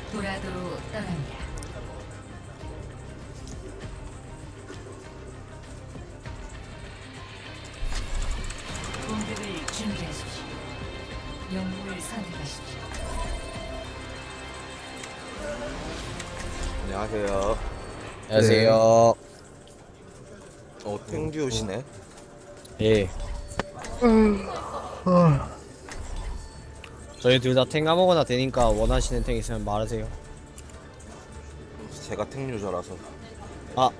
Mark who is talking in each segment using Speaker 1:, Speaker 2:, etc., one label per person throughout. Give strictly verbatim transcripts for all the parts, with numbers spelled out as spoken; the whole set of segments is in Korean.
Speaker 1: 도라도로 떠납니다. 공격을 준비하십시오. 영웅을 선택하십시오.
Speaker 2: 안녕하세요.
Speaker 3: 안녕하세요.
Speaker 2: 어, 탱듀시네.
Speaker 3: 예. 저희 둘 다 탱 아무거나 되니까 원하시는 탱 있으면 말하세요.
Speaker 2: 제가 탱유저라서.
Speaker 3: 아.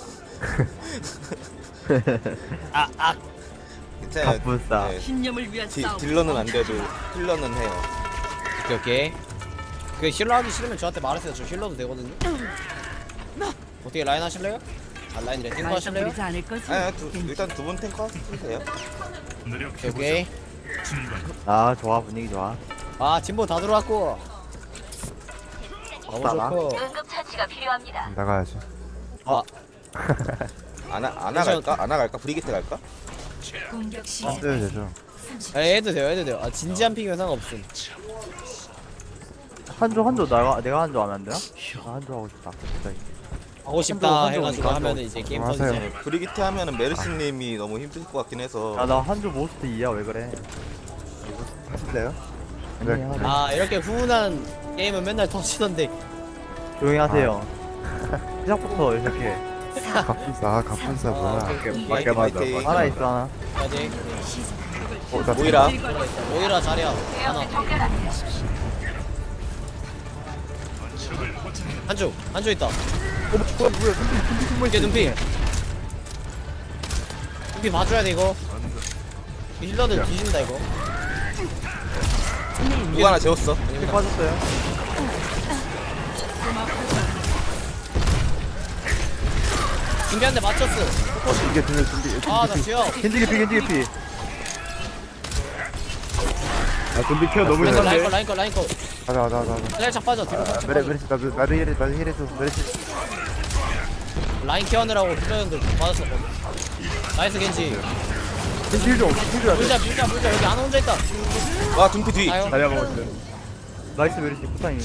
Speaker 3: 아, 아.
Speaker 2: 괜찮아요.
Speaker 4: 갑분싸.
Speaker 2: 네,
Speaker 5: 신념을 위한
Speaker 2: 디,
Speaker 5: 싸움.
Speaker 2: 딜러는 안 돼도 힐러는 해요.
Speaker 3: 오케이, 오케이. 그 힐러 하기 싫으면 저한테 말하세요. 저 힐러도 되거든요. 어떻게 라인 하실래요? 아, 라인이래. 탱커 하실래요?
Speaker 5: 부리지 않을 거지?
Speaker 2: 아, 두, 일단 두 분 탱커 하세요.
Speaker 3: 오케이, 오케이.
Speaker 4: 아 좋아, 분위기 좋아.
Speaker 3: 아, 진보 다 들어왔고. 너무
Speaker 4: 나가?
Speaker 3: 좋고.
Speaker 5: 응급처치가 필요합니다.
Speaker 4: 나가야지.
Speaker 3: 아,
Speaker 2: 아나 아나 갈까? 아나 갈까? 브리기트 갈까?
Speaker 1: 공격
Speaker 4: 안
Speaker 1: 시작.
Speaker 4: 돼도 되죠.
Speaker 3: 아, 해도 돼요, 해도 돼요. 아, 진지한 픽이면 상관없음.
Speaker 4: 한조 한조 나가 내가 한조 하면 안 되나? 아, 한조 하고 싶다. 진짜.
Speaker 3: 하고 싶다
Speaker 4: 한조, 한조
Speaker 3: 해가지고
Speaker 4: 오니까
Speaker 3: 하면은
Speaker 4: 한조.
Speaker 3: 이제 게임
Speaker 4: 하세요.
Speaker 3: 터지죠.
Speaker 2: 네, 브리기트 하면은 메르스님이 너무 힘들 것 같긴 해서.
Speaker 4: 야나 한조 모스트 이야 왜 그래? 하실래요? 아니야.
Speaker 3: 아, 이렇게 훈훈한 게임은 맨날 터지던데.
Speaker 4: 조용히 하세요. 시작부터 이렇게
Speaker 6: 갑분싸 갑분싸 뭐야
Speaker 2: 파이팅,
Speaker 6: 맞게 맞아
Speaker 2: 파이팅.
Speaker 4: 하나 있어 하나.
Speaker 3: 아직
Speaker 6: 어, 나
Speaker 2: 모이라.
Speaker 3: 오히려 잘해요. 하나. 한쪽, 한쪽 있다.
Speaker 4: 어 뭐야?
Speaker 3: 이게 눈피. 눈피 봐줘야 돼 이거. 이 힐러들 뒤진다 이거.
Speaker 2: 누가 하나 재웠어.
Speaker 4: 피 빠졌어요.
Speaker 3: 준비 한대 맞췄어.
Speaker 6: 이게 들려 준비
Speaker 3: 아, 나 지어.
Speaker 4: 겐지기 피 겐지기 피.
Speaker 6: 아 준비 켜 너무
Speaker 3: 라인 거, 라인 거,
Speaker 6: 힘든데
Speaker 3: 라인 거, 라인 거.
Speaker 6: 가자 가자 가자
Speaker 3: 살짝 빠져. 뒤로 살짝
Speaker 6: 메레
Speaker 3: 빠져.
Speaker 6: 메레시 나도 나도 힐해 나도 힐해줘 메레시
Speaker 3: 라인 케어느라고 힐러들 맞았었거든. 나이스 겐지.
Speaker 6: 겐지 힐좀 힐줘야 돼
Speaker 3: 물자, 물자, 물자. 여기 안 혼자 있다.
Speaker 2: 와 둠피 뒤.
Speaker 3: 아유.
Speaker 6: 다리야 먹었어
Speaker 4: 나이스 메리시 부상이.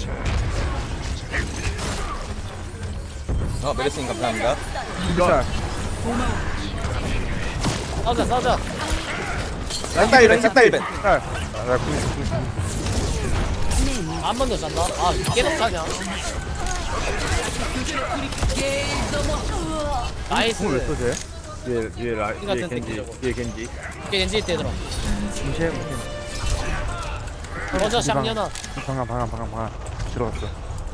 Speaker 2: 어 메르스님 감사합니다.
Speaker 6: 진짜
Speaker 3: 싸우자, 싸우자.
Speaker 2: 싹다 일벤 싹다 일벤.
Speaker 6: 나 구십
Speaker 3: 한 번 더 잔다. 아, 계속 자냐. 나이스.
Speaker 4: 왜 쏘세요?
Speaker 6: 뒤에 뒤에 라
Speaker 3: 이
Speaker 6: 뒤에
Speaker 3: 같은
Speaker 6: 겐지
Speaker 3: 새끼 저거.
Speaker 6: 뒤에 겐지
Speaker 3: 이게 겐지 때 들어.
Speaker 4: 무시해 무시해.
Speaker 3: 꺼져, 샹년아.
Speaker 6: 방금 방금 방금 방금 들어갔어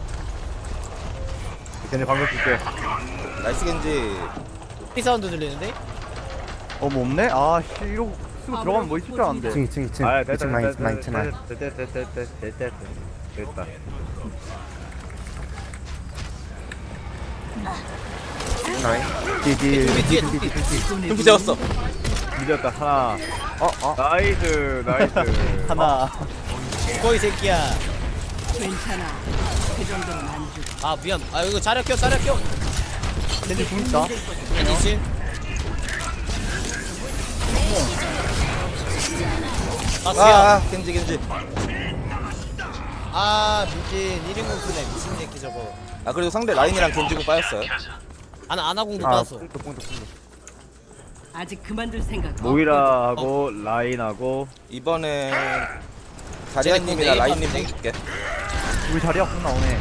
Speaker 6: 겐지 방금 줄게
Speaker 2: 나이스 겐지.
Speaker 3: 피 사운드 들리는데?
Speaker 4: 어뭐 없네? 아씨 이거 쓰고 들어가면 뭐 있을 줄 알았는데.
Speaker 6: 이층 이층 이층
Speaker 4: 아 됐다
Speaker 6: 이층
Speaker 4: 됐다
Speaker 6: 많이 있어 많이 있어 많이
Speaker 4: 됐다 됐다 됐다 됐다 됐다 됐다.
Speaker 6: 뒤에 뒤에
Speaker 3: 뒤에, 뒤에,
Speaker 6: 뒤에 뒤에 뒤에
Speaker 2: 둠피 재웠어.
Speaker 4: 늦었다 하나.
Speaker 6: 어어
Speaker 4: 나이스 나이스. 하나.
Speaker 3: 거이 새끼야.
Speaker 5: 괜찮아. 그 정도는 안 주.
Speaker 3: 아, 미안. 아, 이거 자력 껴, 자력 껴.
Speaker 4: 겐지 공 있다.
Speaker 3: 겐지. 아,
Speaker 2: 아,
Speaker 3: 수야.
Speaker 2: 아 겐지 겐지.
Speaker 3: 아, 미친. 일 인공 쓰네. 미친 새끼 저거.
Speaker 2: 아 그리고 상대 라인이랑 겐지고 빠졌어요.
Speaker 3: 아나, 아나공도
Speaker 6: 아
Speaker 3: 빠졌어.
Speaker 6: 뽕도 뽕도 뽕도
Speaker 5: 아직 그만둘 생각.
Speaker 4: 모이라하고 라인하고
Speaker 2: 이번에
Speaker 3: 쟤네
Speaker 2: 자리아님이나
Speaker 3: 공
Speaker 2: 라인님
Speaker 3: 네이버
Speaker 2: 뽕 줄게.
Speaker 4: 우리 자리야 공 나오네.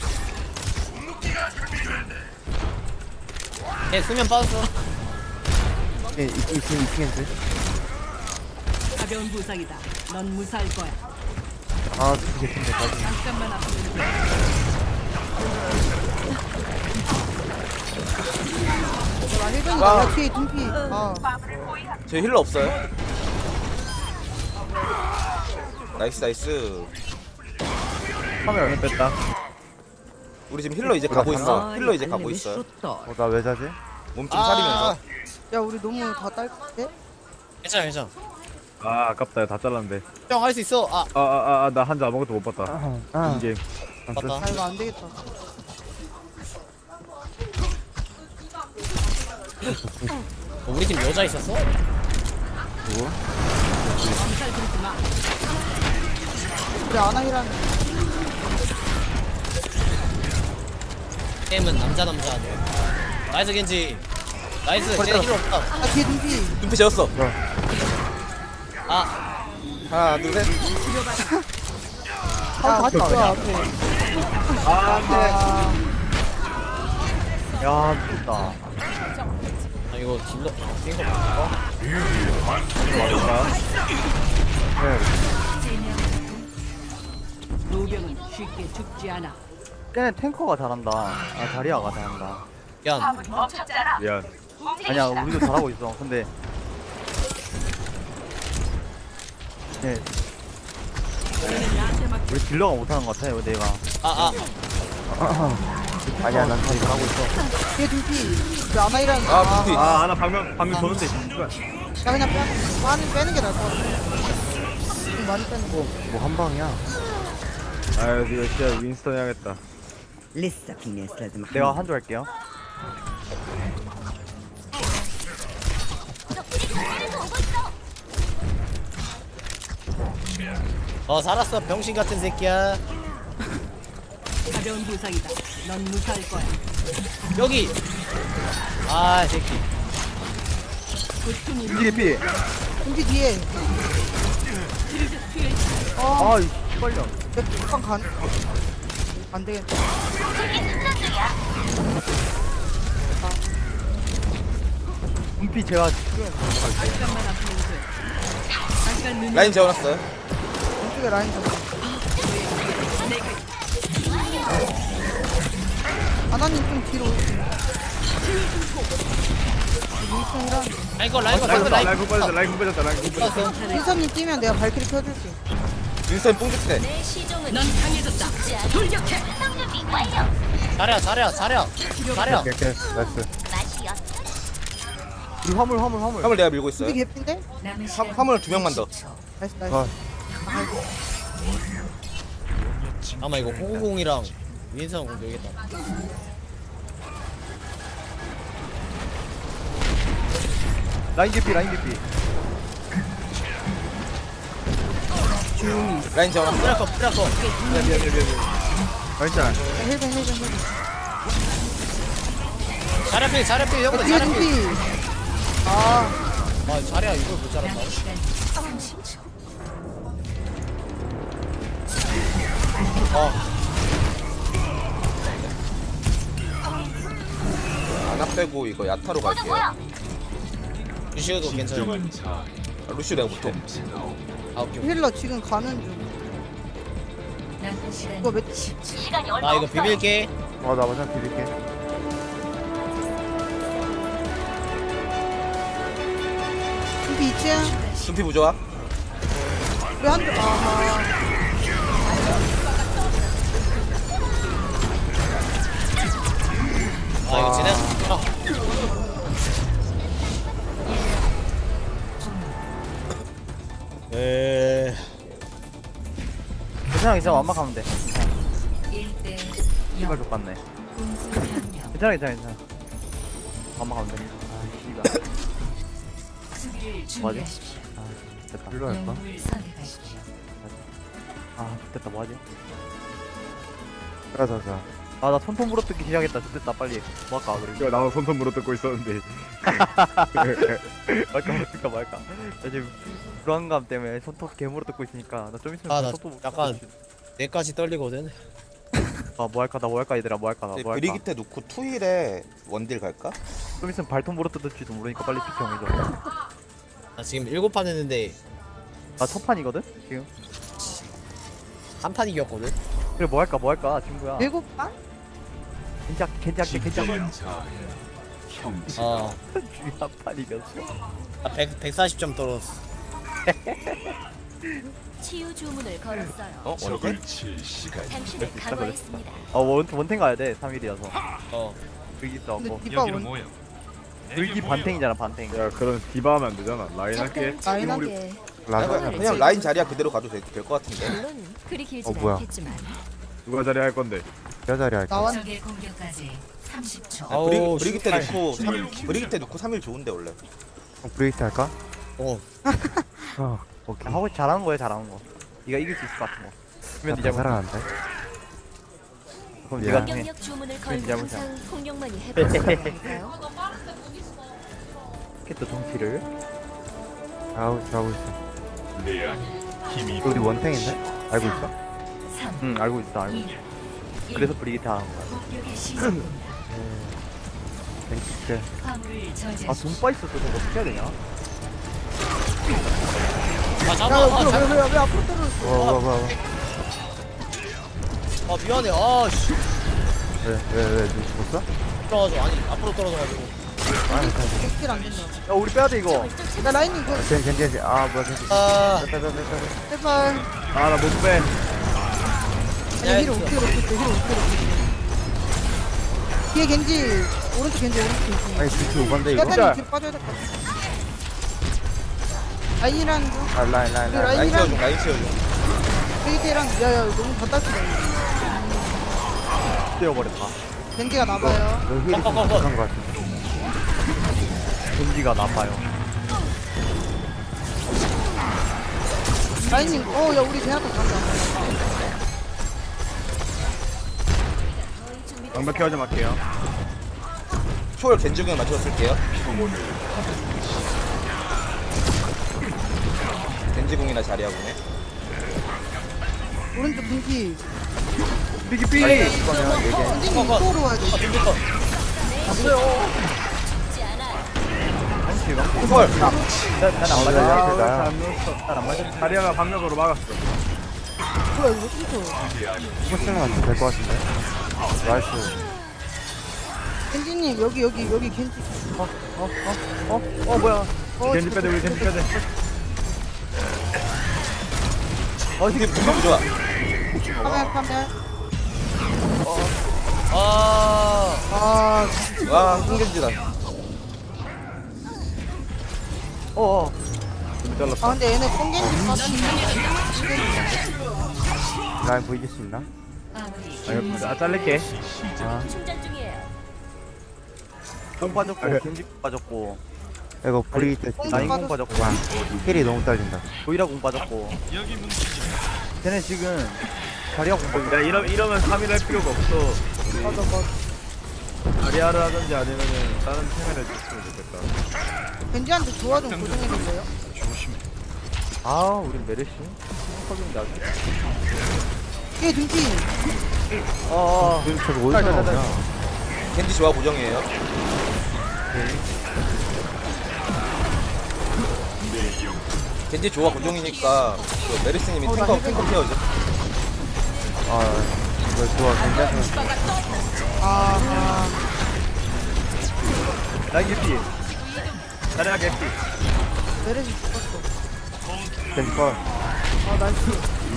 Speaker 3: 걔 수면 빠졌어.
Speaker 6: 예, 이층 이층 이층 겐지
Speaker 5: 가벼운 부상이다. 넌 무사할 거야.
Speaker 6: 아 뒤에 겐지
Speaker 5: 잠깐만 앞으로.
Speaker 2: 와,
Speaker 7: 뒤에 둠피. 아,
Speaker 2: 저 힐러 없어요? 나이스 나이스.
Speaker 4: 카메라 안 뺐다.
Speaker 2: 우리 지금 힐러 이제 가고 있어. 힐러 이제 가고 있어요.
Speaker 6: 어나 왜 자지?
Speaker 2: 몸 좀
Speaker 3: 아,
Speaker 2: 사리면서.
Speaker 7: 야 우리 너무 다 딸때?
Speaker 3: 괜찮아, 괜찮아.
Speaker 4: 아 아깝다 다 잘랐는데.
Speaker 3: 형, 할 수 있어. 아,
Speaker 4: 아아아 나 한자 아무것도 못 봤다.
Speaker 6: 아
Speaker 4: 이게
Speaker 3: 맞다.
Speaker 7: 아 이거 안 되겠다.
Speaker 3: 어, 우리 팀 여자 있었어?
Speaker 7: 우리 아나이랑
Speaker 3: 게임은 남자 남자 하네. 나이스 겐지. 나이스. 쟤 힐러 없다.
Speaker 7: 아 뒤에 눈피.
Speaker 2: 눈피 재웠어.
Speaker 3: 아
Speaker 2: 하나 둘 셋.
Speaker 7: 아 다시 와 앞에. 아
Speaker 4: 야 미쳤다.
Speaker 3: 아, 이거 딜러 뛴거 맞을까?
Speaker 5: 노병은 쉽게 죽지 않아.
Speaker 4: 쟤는 탱커가 잘한다. 아 자리아가 잘한다.
Speaker 3: 미안.
Speaker 4: 미안. 아니야 우리도 잘하고 있어. 근데 네. 우리 딜러가 못하는 것 같아. 내가.
Speaker 3: 아 아.
Speaker 6: 아니야 난 다 잘하고 있어.
Speaker 7: 뒤에 눈피. 그 아마이랑.
Speaker 2: 아 눈피.
Speaker 8: 아 하나 방금 방금 도는데
Speaker 7: 나 그냥 빼, 빠는 빼는 게 나을 것 같아. 좀 많이 빼는 거.
Speaker 6: 뭐 한 방이야.
Speaker 8: 아유 이거 진짜 윈스턴 해야겠다.
Speaker 4: 내가 한줄 할게요.
Speaker 3: 어 살았어 병신 같은 새끼야.
Speaker 5: 가벼운 부상이다. 넌 무사할 거야.
Speaker 3: 여기. 아 새끼.
Speaker 5: 고통이
Speaker 4: 이게 피.
Speaker 7: 눈피 뒤에.
Speaker 4: 아, 이 빨려.
Speaker 7: 내 북한 간. 안 되겠다.
Speaker 4: 분피 제가
Speaker 5: 잠깐만 아프면 돼. 잠깐 눈
Speaker 2: 라인 재워놨어요.
Speaker 7: 왼쪽에 라인 좀. 아나님 좀 뒤로 오세요. 윈스턴이랑
Speaker 3: 아 이거 라인 거
Speaker 8: 라이프
Speaker 3: 방금 라인
Speaker 8: 라이프 빠졌다 라이프 빠졌다 라이프 빠졌다.
Speaker 3: 빠졌어.
Speaker 7: 윈스턴님 뛰면 내가 발키리 켜줄게.
Speaker 2: 윈스턴 뽕죽대.
Speaker 5: 넌 강해졌다. 돌격해.
Speaker 3: 잘해 잘해 잘해 잘해.
Speaker 6: 오케이 오케이 나이스.
Speaker 4: 우리 화물 화물 화물.
Speaker 2: 화물 내가 밀고 있어요.
Speaker 7: 눈피 개핀데?
Speaker 1: 남은
Speaker 2: 화,
Speaker 1: 시간
Speaker 2: 화물 두 명만 더.
Speaker 7: 나이스 나이스.
Speaker 6: 아.
Speaker 3: 아마 이거 호구공이랑 윈선 공 되겠다.
Speaker 4: 라인 개피 라인 개피.
Speaker 2: 라인 재워놨어.
Speaker 3: 프라커 프라커.
Speaker 8: 괜찮아.
Speaker 7: 헬벤 헬벤 헬벤.
Speaker 3: 잘해 잘해 형들
Speaker 7: 뒤에
Speaker 3: 잘해.
Speaker 7: 눈피. 아
Speaker 3: 아 잘해 이걸 못 잘한다.
Speaker 1: 남은 시간 삼십 초.
Speaker 3: 어
Speaker 2: 하나 빼고 이거 야타로 갈게요. 아,
Speaker 3: 루시오도 괜찮아.
Speaker 2: 루시오 내가 못해.
Speaker 3: 아 오케이.
Speaker 7: 힐러 지금 가는 중.
Speaker 1: 남은 시간
Speaker 7: 이거 몇
Speaker 1: 십 초.
Speaker 3: 나 이거 비빌게.
Speaker 6: 어나 먼저 비빌게.
Speaker 7: 눈피 이 층.
Speaker 2: 눈피 부조화.
Speaker 7: 우리 한 줄. 아하.
Speaker 3: 아 이거 지내. 아 에.
Speaker 4: 괜찮아 괜찮아 완막하면 돼.
Speaker 1: 일 대
Speaker 4: 씨발
Speaker 1: 영.
Speaker 4: 족같네.
Speaker 1: 공수 변경.
Speaker 4: 괜찮아 괜찮아 괜찮아. 완막하면 돼. 아 씨발.
Speaker 1: 수비를 준비하십시오.
Speaker 4: 됐다.
Speaker 6: 일로 할까?
Speaker 1: 영웅을 선택하십시오.
Speaker 4: 아 됐다 뭐하지?
Speaker 6: 자자자.
Speaker 4: 아나 손톱 물어뜯기 시작했다. 됐다 빨리. 뭐 할까 그리고.
Speaker 8: 이거 나도 손톱 물어뜯고 있었는데.
Speaker 4: 말까 말까 말까. 나 지금 불안감 때문에 손톱 개물어 뜯고 있으니까 나 좀 있으면
Speaker 3: 아, 나
Speaker 4: 손톱
Speaker 3: 약간 뇌까지 떨리거든.
Speaker 4: 아뭐 할까 나 뭐 할까 얘들아 뭐 할까 나 뭐 할까.
Speaker 2: 브리기테 놓고 투일에 원딜 갈까?
Speaker 4: 좀 있으면 발톱 물어 뜯을지도 모르니까 빨리 피정해줘.
Speaker 3: 나 지금 일곱 판 했는데
Speaker 4: 나 첫 판이거든 지금.
Speaker 3: 한 판 이겼거든.
Speaker 4: 그래 뭐 할까 뭐 할까 친구야.
Speaker 7: 일곱 반?
Speaker 4: 괜찮 괜찮게 괜찮게.
Speaker 3: 어.
Speaker 4: 주위 한판 이겼어.
Speaker 3: 나 백, 백사십 점 떨어졌어.
Speaker 9: 치유 주문을 걸었어요.
Speaker 2: 어? 원딜?
Speaker 9: 당신을 강화했습니다.
Speaker 4: 아 원, 원탱 가야 돼 삼 일이어서.
Speaker 3: 어.
Speaker 4: 불기
Speaker 7: 근데
Speaker 4: 써고
Speaker 7: 디바 원.
Speaker 4: 불기 반탱이잖아 반탱.
Speaker 8: 야 그럼 디바 하면 안 되잖아. 라인 할게.
Speaker 9: 조용하게.
Speaker 2: 그냥,
Speaker 6: 라자.
Speaker 2: 그냥 라인 자리야 그대로 가도 될 것 같은데.
Speaker 9: 물론 그리 길지
Speaker 6: 어, 뭐야.
Speaker 9: 않겠지만
Speaker 8: 누가 자리 할 건데?
Speaker 6: 여 자리 할까?
Speaker 7: 나왔.
Speaker 1: 적의 공격까지 삼십 초.
Speaker 3: 아우,
Speaker 2: 브리, 브리기테
Speaker 3: 씨발.
Speaker 2: 놓고 삼, 브리기테 놓고 삼 일 좋은데 원래.
Speaker 6: 어, 브레이트 할까?
Speaker 3: 어.
Speaker 6: 어 오케이.
Speaker 4: 하고 잘하는 거야 잘하는 거. 네가 이길 수 있을 것 같은 거. 그러면 네
Speaker 6: 나
Speaker 4: 잘못.
Speaker 6: 살아난다.
Speaker 4: 그럼 얘가 해.
Speaker 9: 공격력 주문을 걸고
Speaker 4: 잡으자.
Speaker 9: 항상 공격만이 해볼까요?
Speaker 4: 또 정치를. 아우 잘하고 있어. 우리 원탱인데? 알고 있어?
Speaker 1: 삼,
Speaker 4: 응 알고 있어 알고 있어.
Speaker 1: 이,
Speaker 4: 그래서 브리기타 하는 거야.
Speaker 1: 공격의 시작입니다.
Speaker 4: 땡큐.
Speaker 1: 화물을 저지하십시오.
Speaker 4: 아 돈빠 있었어. 저거 어떻게 해야 되냐?
Speaker 3: 아
Speaker 7: 야,
Speaker 3: 잠깐만. 아,
Speaker 7: 왜,
Speaker 3: 잠깐만.
Speaker 7: 왜, 왜, 왜 앞으로 떨어졌어?
Speaker 4: 와 와 와 와.
Speaker 3: 아 미안해. 아씨.
Speaker 4: 왜왜왜 누구 죽었어?
Speaker 3: 떨어져. 아니 앞으로 떨어져가지고.
Speaker 4: 아 괜찮아.
Speaker 7: 백킬 안 된다.
Speaker 4: 야 우리 빼야 돼 이거.
Speaker 7: 야, 라인 이거,
Speaker 4: 겐 겐지 겐지. 아 뭐야 겐지.
Speaker 3: 아.
Speaker 4: 빼빼빼빼.
Speaker 7: 제발.
Speaker 8: 아 나 못 빼.
Speaker 7: 아니, 힐을 어떻게 이렇게 했어, 힐을 어떻게 이렇게 했어. 뒤에 겐지, 오른쪽 겐지, 오른쪽 겐지.
Speaker 4: 아니 뒤치 오반데 이거.
Speaker 7: 약간 뒤로 빠져야 될 것 같아. 라인이랑 거,
Speaker 4: 아 라인 라인
Speaker 7: 그
Speaker 4: 라인.
Speaker 2: 라인
Speaker 7: 라인이랑,
Speaker 2: 채워줘 라인 채워줘
Speaker 7: 베이트랑, 야, 야, 너무 바닥이다.
Speaker 4: 뛰어버렸다.
Speaker 7: 겐지가 나봐요.
Speaker 4: 너 힐이 좀
Speaker 3: 꺼, 꺼, 꺼.
Speaker 4: 부족한 것 같은데. 겐지가 나빠요.
Speaker 7: 라인님, 어, 야, 우리 제나타 간다.
Speaker 8: 방벽 케어 좀 할게요.
Speaker 2: 초월 겐지궁에 맞춰서 쓸게요 겐지궁이나 자리하고네
Speaker 7: 오른쪽 분기.
Speaker 8: 삐기 삐.
Speaker 4: 이거면 얘기해.
Speaker 7: 겐지님 이쪽으로 와야 돼.
Speaker 2: 초월
Speaker 4: 난안
Speaker 8: 아,
Speaker 4: 맞아.
Speaker 8: 안 넣었어.
Speaker 4: 난안 맞아.
Speaker 8: 다리아가 방벽으로 막았어.
Speaker 7: 뭐야, 이거 어떻게
Speaker 4: 포스팅만 맞추면 될 것 같은데. 나이스.
Speaker 7: 겐지님, 여기, 여기, 여기 겐지.
Speaker 4: 어? 어 뭐야?
Speaker 7: 어,
Speaker 8: 겐지 빼대 우리 겐지 빼대.
Speaker 2: 어 이게 무슨 좋아
Speaker 7: 카메라, 카메라.
Speaker 3: 아.
Speaker 7: 아,
Speaker 2: 와 홍겐지다
Speaker 4: 어어.
Speaker 8: 좀 잘랐어.
Speaker 7: 아, 근데 얘네 뽕겐지 빠졌네.
Speaker 4: 라인 보이실 수 있나?
Speaker 1: 마무리.
Speaker 8: 아 잘릴게.
Speaker 4: 아.
Speaker 9: 충전 중이에요.
Speaker 4: 공 빠졌고
Speaker 8: 아,
Speaker 4: 겐지 빠졌고. 이거 브리 때
Speaker 7: 뽕
Speaker 4: 라인 공
Speaker 7: 빠졌어.
Speaker 4: 빠졌고. 힐이 너무 딸린다. 보이라 공 빠졌고. 쟤네 지금 자리가 공 빠졌고.
Speaker 8: 야 이러 이러면 삼 일 할 필요가 없어.
Speaker 7: 맞아, 맞아.
Speaker 8: 다리아를 하든지 아니면은 다른 팀을 해줬으면 좋겠다.
Speaker 7: 겐지한테 조화 좀 고정해줄래요?
Speaker 4: 아 우리 메르시. 컵인데 아주.
Speaker 7: 얘 등기.
Speaker 4: 어어. 저거 어디서 나오냐?
Speaker 2: 겐지 조화 고정이에요 겐지 조화 고정이니까 그 메리스님이 탱커 탱커 케어죠
Speaker 4: 아 이거 좋아 괜찮아.
Speaker 7: 아, 아.
Speaker 8: 라인 개피. 다리아 개피.
Speaker 7: 메르시 죽었어.
Speaker 4: 겐지 걸.
Speaker 7: 아, 나이스.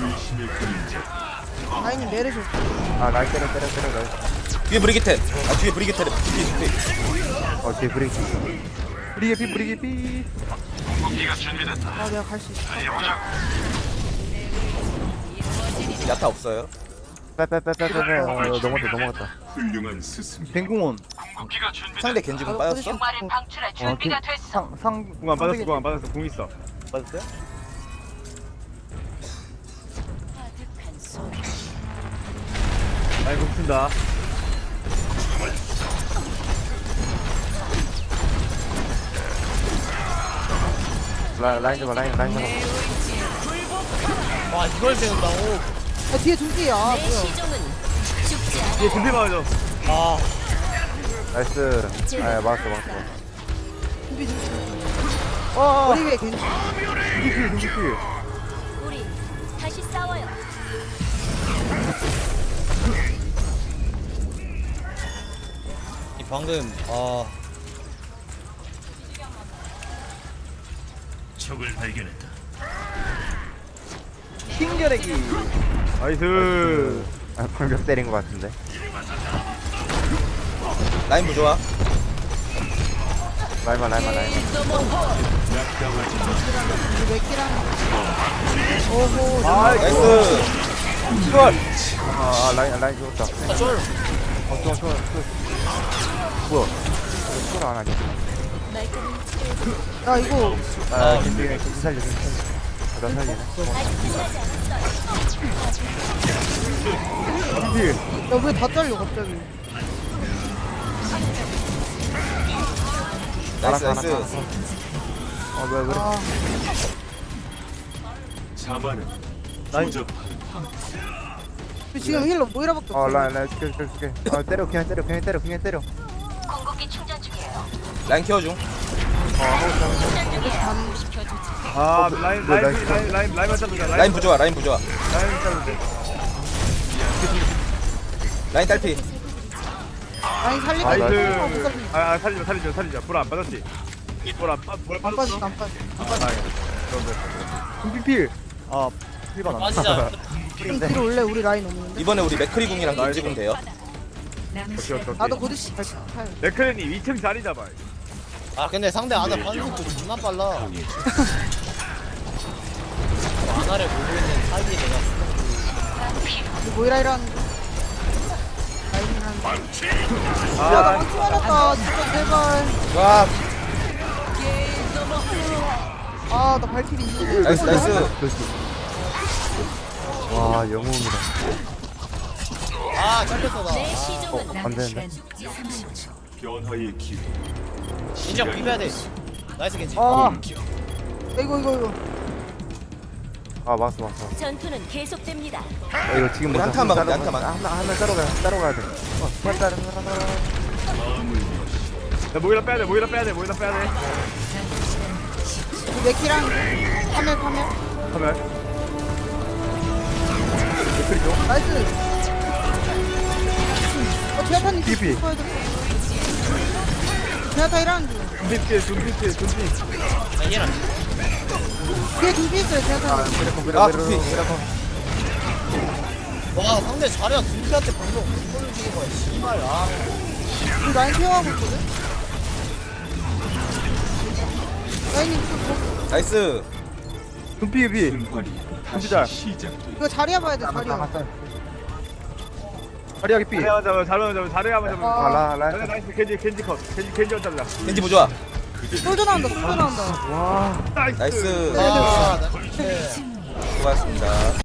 Speaker 7: 라인이 메르시 없어.
Speaker 4: 아 라인 때려 때려 때려 라인.
Speaker 2: 뒤에 브리기테 아 뒤에 브리기테 뒤에 뒤에
Speaker 4: 어 뒤에 브레이크. 브리게피 브리게피.
Speaker 7: 아, 내가 갈 수 있어.
Speaker 2: 야타 없어요
Speaker 4: 빼빼빼빼빼빼. 어 넘어갔다 넘어갔다. 뱅궁원.
Speaker 2: 상대 겐지궁 빠졌어?
Speaker 4: 어, 그, 상, 상,
Speaker 8: 궁안 받았어 궁안 받았어 궁 있어.
Speaker 4: 맞았어요?
Speaker 8: 라인 궁 쓴다.
Speaker 4: 라, 라인 잡아, 라인, 라인 잡아.
Speaker 3: 와 이걸 배운다고.
Speaker 7: 야, 뒤에 등기야. 아,
Speaker 9: 내
Speaker 7: 뭐야.
Speaker 9: 시종은 죽지 않아.
Speaker 8: 얘 준비 맞아.
Speaker 3: 아.
Speaker 4: 나이스. 아, 막았어, 막았어.
Speaker 7: 등기, 등기.
Speaker 4: 어,
Speaker 7: 우리 왜 겐지?
Speaker 4: 누구필, 누구필.
Speaker 9: 우리 다시 싸워요.
Speaker 3: 이 방금 아.
Speaker 4: 킹겨내기.
Speaker 8: 나이스.
Speaker 4: 아, 방벽 때린 것 같은데.
Speaker 2: 라인 부좋아
Speaker 4: 라인만, 라인만, 라인만.
Speaker 7: 우리 몇 킬하는 오호.
Speaker 4: 아,
Speaker 2: 나이스 초월
Speaker 4: 아, 아, 라인, 라인 죽었다.
Speaker 3: 아 쫄.
Speaker 4: 어, 좋아, 좋아, 좋아. 뭐야? 이거 안 하냐?
Speaker 9: 말끔히 치료해.
Speaker 7: 야, 이거.
Speaker 4: 아, 겐지, 겐지 살려, 겐지 살려.
Speaker 6: 나 살리네.
Speaker 9: 아직 끝나지 않았어요.
Speaker 4: 필.
Speaker 7: 야왜 다 잘려 갑자기.
Speaker 2: 나이스 나이스.
Speaker 4: 어 뭐야 그래?
Speaker 7: 아
Speaker 4: 라인.
Speaker 7: 지금 힐러 모이라밖에 없어.
Speaker 6: 어 라인 라인 줄게 줄게 줄게. 아 때려 그냥 때려 그냥 때려 그냥 때려.
Speaker 9: 공격기 충전 중이에요.
Speaker 2: 라인 키워줘.
Speaker 8: 아 라인
Speaker 6: 뭐,
Speaker 8: 라인
Speaker 6: 나이스.
Speaker 8: 라인 라인 라인만 잡자.
Speaker 2: 라인 부조화 라인 부조화.
Speaker 8: 라인 잡으면 돼.
Speaker 2: 라인 딸피.
Speaker 7: 아니 살리고
Speaker 8: 나이스.
Speaker 7: 있어. 못 살리네.
Speaker 8: 아 아, 살리자 살리자 살리자. 불안 빠졌지. 불안 빠 불안
Speaker 7: 안
Speaker 8: 빠졌어.
Speaker 7: 빠졌어 안 빠졌어.
Speaker 8: 아 다행이다. 그런데
Speaker 4: 금피 필. 아 필반 안.
Speaker 3: 빠지자.
Speaker 7: 좀 뒤로 올래 우리 라인 오는데.
Speaker 2: 이번에 우리 맥크리 궁이랑 겐지 궁 돼요.
Speaker 1: 남은
Speaker 8: 오케이
Speaker 1: 시간
Speaker 8: 오케이
Speaker 7: 나도
Speaker 8: 오케이.
Speaker 7: 고드씨 잘 타요.
Speaker 8: 맥크렌이 이 층 자리 잡아.
Speaker 3: 아 근데 상대 아나 반속도 존나 빨라. 아나를 보고 있는 타이밍이 내가
Speaker 7: 우리 모이라이라는 라인이라는.
Speaker 8: 아
Speaker 7: 야나
Speaker 8: 라인.
Speaker 7: 망치 맞았다 진짜 제발.
Speaker 2: 와
Speaker 7: 아나 발키리 있는데.
Speaker 2: 나이스 나이스.
Speaker 6: 와 영웅이다.
Speaker 3: 아 잘렸어 나.
Speaker 9: 내 시종은
Speaker 6: 안
Speaker 1: 남은
Speaker 6: 되는데.
Speaker 1: 시간 삼십 초.
Speaker 3: 인정 비벼야 돼. 나이스 겐지.
Speaker 7: 아 이거 이거 이거.
Speaker 6: 아 맞어 맞어.
Speaker 9: 전투는 계속됩니다.
Speaker 6: 야, 이거 지금
Speaker 2: 우리
Speaker 6: 먼저
Speaker 2: 한타만
Speaker 6: 따로
Speaker 2: 막으면 돼,
Speaker 6: 가-
Speaker 2: 한타만.
Speaker 6: 하나 하나 따로 가야 따로 가야 돼. 어 빨리 따로 따로 따로.
Speaker 8: 야 모이라 빼야 돼. 모이라 빼야 돼. 모이라 빼야 돼.
Speaker 7: 우리 맥키랑 파멸 파멸.
Speaker 8: 하면
Speaker 7: 나이스. 어 제아타님
Speaker 4: 피피.
Speaker 7: 제아타 일하는 중.
Speaker 8: 준비 피해 준비 피해 준비.
Speaker 3: 얘랑
Speaker 7: 뒤에 준비 있어요 제아타.
Speaker 2: 아 두피.
Speaker 3: 와 상대 자리야 둘한테 방송 골을 주는 거야 씨발. 아
Speaker 7: 우리 라인 케어하고 있거든. 라인님 또
Speaker 2: 나이스.
Speaker 4: 금피 피. 금피 잘.
Speaker 7: 이거 자리야 봐야 돼 자리야.
Speaker 4: 자리하기 피.
Speaker 8: 자리야만 잡아 자리야만 잡아 자리야만 잡아.
Speaker 7: 아,
Speaker 6: 라 라.
Speaker 8: 나이스 나이스 겐지 겐지 컷 겐지 겐지 잡자.
Speaker 2: 겐지 부조화.
Speaker 7: 솔져 나온다 솔져 나온다.
Speaker 4: 와.
Speaker 8: 나이스.
Speaker 2: 나이스.
Speaker 3: 아, 나-
Speaker 2: 수고하셨습니다.